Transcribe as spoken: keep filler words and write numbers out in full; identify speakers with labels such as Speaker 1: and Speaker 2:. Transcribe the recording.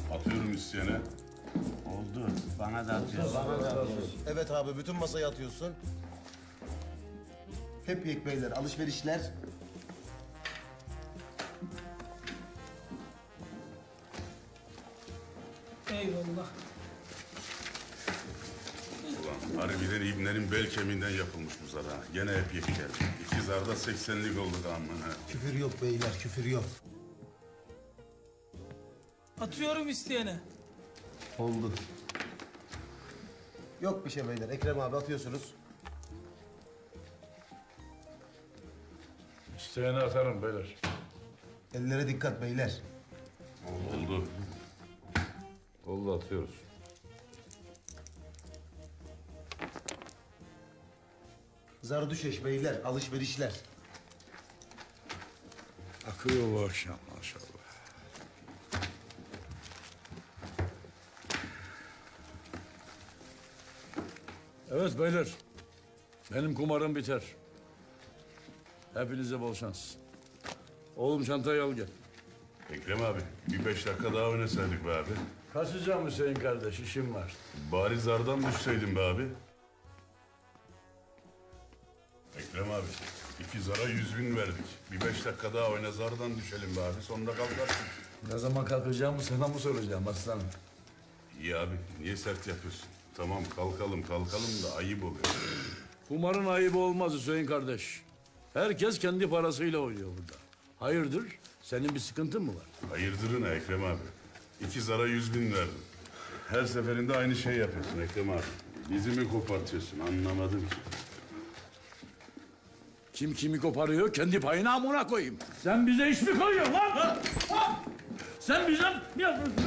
Speaker 1: Atıyorum isteyene.
Speaker 2: Oldu. Bana da atıyorsun.
Speaker 3: Evet abi bütün masayı atıyorsun. Hep yek beyler alışverişler.
Speaker 4: Eyvallah.
Speaker 1: Ulan harbiden ibnerin bel kemiğinden yapılmış bu zar ha. Gene hep yek geldi. İki zarda seksenlik oldu da aman ha.
Speaker 3: Küfür yok beyler küfür yok.
Speaker 4: Atıyorum isteyene.
Speaker 3: Oldu. Yok bir şey beyler. Ekrem abi atıyorsunuz.
Speaker 5: İsteyene atarım beyler.
Speaker 3: Ellere dikkat beyler.
Speaker 1: Oldu.
Speaker 5: Oldu atıyoruz.
Speaker 3: Zardüşeş beyler alışverişler.
Speaker 5: Akıyor bu akşam maşallah. Evet beyler. Benim kumarım biter. Hepinize bol şans. Oğlum çantayı al gel.
Speaker 1: Ekrem abi bir beş dakika daha oynasaydık be abi.
Speaker 5: Kaçacağım Hüseyin kardeş, işim var.
Speaker 1: Bari zardan düşseydin be abi. Ekrem abi iki zara yüz bin verdik. Bir beş dakika daha oyna zardan düşelim be abi. Sonunda kalkarsın.
Speaker 5: Ne zaman kalkacağımı sana mı soracağım aslanım?
Speaker 1: İyi abi niye sert yapıyorsun? Tamam kalkalım kalkalım da ayıp oluyor.
Speaker 5: Kumarın ayıbı olmaz Hüseyin kardeş. Herkes kendi parasıyla oynuyor burada. Hayırdır? Senin bir sıkıntın mı var?
Speaker 1: Hayırdırın Ekrem abi. İki zara yüz bin verdim. Her seferinde aynı şey yapıyorsun Ekrem abi. Bizi mi kopartıyorsun anlamadım ki.
Speaker 5: Kim kimi koparıyor kendi payına amına koyayım. Sen bize iş mi koyuyorsun lan? Ha? Ha? Sen bize ne yapıyorsun